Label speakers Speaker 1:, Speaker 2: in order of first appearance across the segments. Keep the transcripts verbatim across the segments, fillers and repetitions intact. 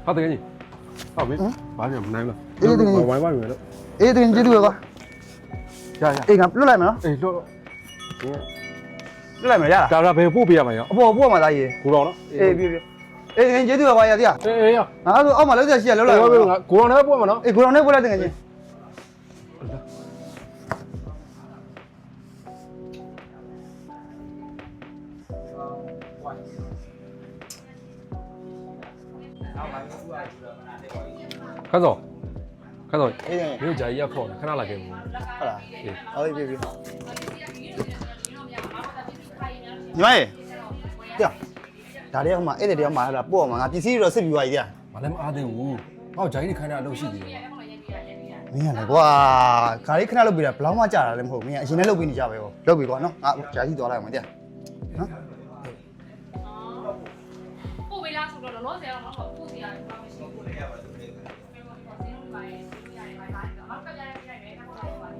Speaker 1: ဟုတ်တယ်ကြီးဟုတ်ပြီဘာပြန်မနိုင်လားဝိုင်းဝိုင်းမယ်လို့
Speaker 2: အေးတင်ကျေးဇူးပဲကွာ
Speaker 1: ရရ
Speaker 2: အေးငါလွတ်လိုက်မယ်နော်
Speaker 1: အေးလို့
Speaker 2: လွတ်လိုက်မယ်ရလား
Speaker 1: ဒါဒါဘယ်ပို့ပေးရမှာရော
Speaker 2: အပေါ်ပို့မှာသားကြီး
Speaker 1: ကိုတော်နော်
Speaker 2: အေးပြေးပြေးအေးတင်ကျေးဇူးပဲကွာရသေးရ
Speaker 1: အေးအေးရ
Speaker 2: ငါဆိုအောက်မှာလောက်ဆက်ရှိရလောက်လိုက်
Speaker 1: ကိုတော်ကိုတော်နဲ့ပို့မှာနော်
Speaker 2: အေးကိုတော်နဲ့ပို့လိုက်တင်ချင်း
Speaker 1: ခါစောခါစော
Speaker 2: အေးတင်
Speaker 1: မြို့ကြာကြီးရခေါ်တယ်ခဏလာခဲ့ဘူး
Speaker 2: ဟုတ်လား
Speaker 1: အေး
Speaker 2: အော်ပြေးပြေးညီမရေတရားဒါလေးဟိုမှာအဲ့တဲ့တရားမှာဟာပို့မှာငါပစ္စည်းတော့စစ်ပြီးသွားပြီတရား
Speaker 1: မလည်းမအားသေးဘူးဟောကြာကြီးခိုင်းတာအလုပ်ရှိသေးတယ်
Speaker 2: မင်းရလေကွာခါလေးခဏလုပ်ပြီးတာဘလောက်မှကြာတာလည်းမဟုတ်ဘူးမင်းအရင်နဲ့လုပ်ပြီးနေကြပဲဟောလုပ်ပြီးကွာနော်ငါဂျာကြီးသွားလိုက်အောင်တရားနော်
Speaker 3: ပို့ပေးလားဆိုတော့လောလောဆယ်တော့မဟုတ်ပို့စီရတယ်ဘာမှမရှိဘူးလေရပါတယ်ဒီလိုပါစင်းလို့ပါရင်ရတယ်ပါပါတယ်တော့ကပြရပြရတယ်တော့ဟုတ်ပါ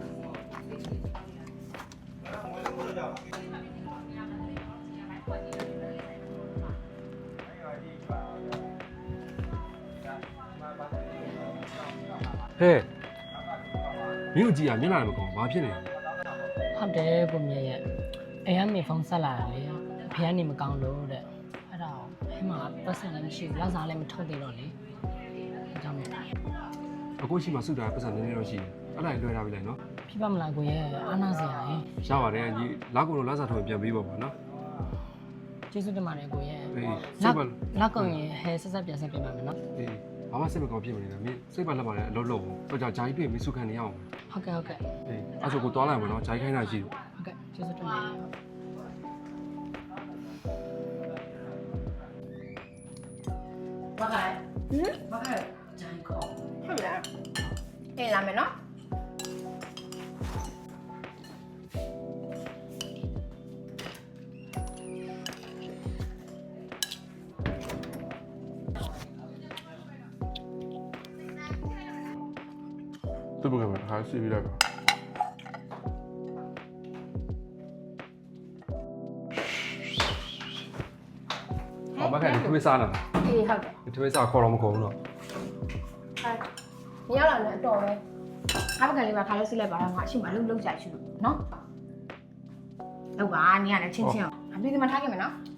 Speaker 3: ဘူး
Speaker 1: ဟဲ့မြို့ကြီးကမျက်နှာလည်းမကောင်းဘာဖြစ်နေလဲ
Speaker 4: ဟုတ်တယ်ကိုမြရဲ့အိမ်ကနေဖုန်းဆက်လာတယ်လေဖေကနေမကောင်းလို့တဲ့အဲ့ဒါအဲမှာပတ်စံလည်းမရှိဘူးလောက်စားလည်းမထုတ်သေးတော့လေအကြောင်းနဲ့
Speaker 1: အခုရှိမှစုတာပတ်စံနည်းနည်းတော့ရှိတယ်အဲ့ဒါလွှဲထားပြီလေနော်
Speaker 4: ဖြစ်ပါမလားကိုရဲ့အာနာစရာရေ
Speaker 1: ရပါတယ်ကြီးလောက်ကုန်တော့လက်စားထုတ်ပြန်ပေးပါပါနော်
Speaker 4: ကျေးဇူးတင်ပါတယ်ကိုရဲ့
Speaker 1: အေးစိ
Speaker 4: လက်
Speaker 1: တ်ပါ
Speaker 4: လက်ကုန်ရင်ဟဲဆက်ဆက်ပြန်ဆက်ပြန်ပါမယ်နော်
Speaker 1: အေးဘာမှစိတ်မကောင်းဖြစ်မနေနဲ့မင်းစိတ်ပါလက်ပါနဲ့အလုပ်လုပ်ဘူးတော့ကြာဂျာကြီးပြေမင်းစုခံနေရအောင်
Speaker 4: ဟုတ်ကဲ့ဟုတ်ကဲ့
Speaker 1: အေးအဲ့ဆိုကိုသွားလိုက်မှာနော်ဂျာကြီးခိုင်းတာရှိတယ်
Speaker 4: ဟုတ်ကဲ့ကျေးဇူးတင်ပါတယ်
Speaker 3: ဘာခိုင်ဟင်ဘာခိုင်ဂျိုင်းကောဟုတ်လားအေးလာမယ်နော်
Speaker 1: သူ့ဘက်ကမှာထားစီပြီးလိုက်ပါအမကနေထွေးစားလာ
Speaker 3: အေးဟုတ်တယ်
Speaker 1: ထွေးစားခေါ်တော့မခေါ်ဘူးနော်
Speaker 3: ဟာညရောက်လာတယ်အတော်ပဲအားပကံလေးပါခါလို့စစ်လိုက်ပါတော့ငါအရှိမလုံးလုံးကြိုက်ရှိလို့နော်လောက်ပါနေရလဲချင်းချင်းအောင်အပြေးကမှထားခဲ့မယ်နော်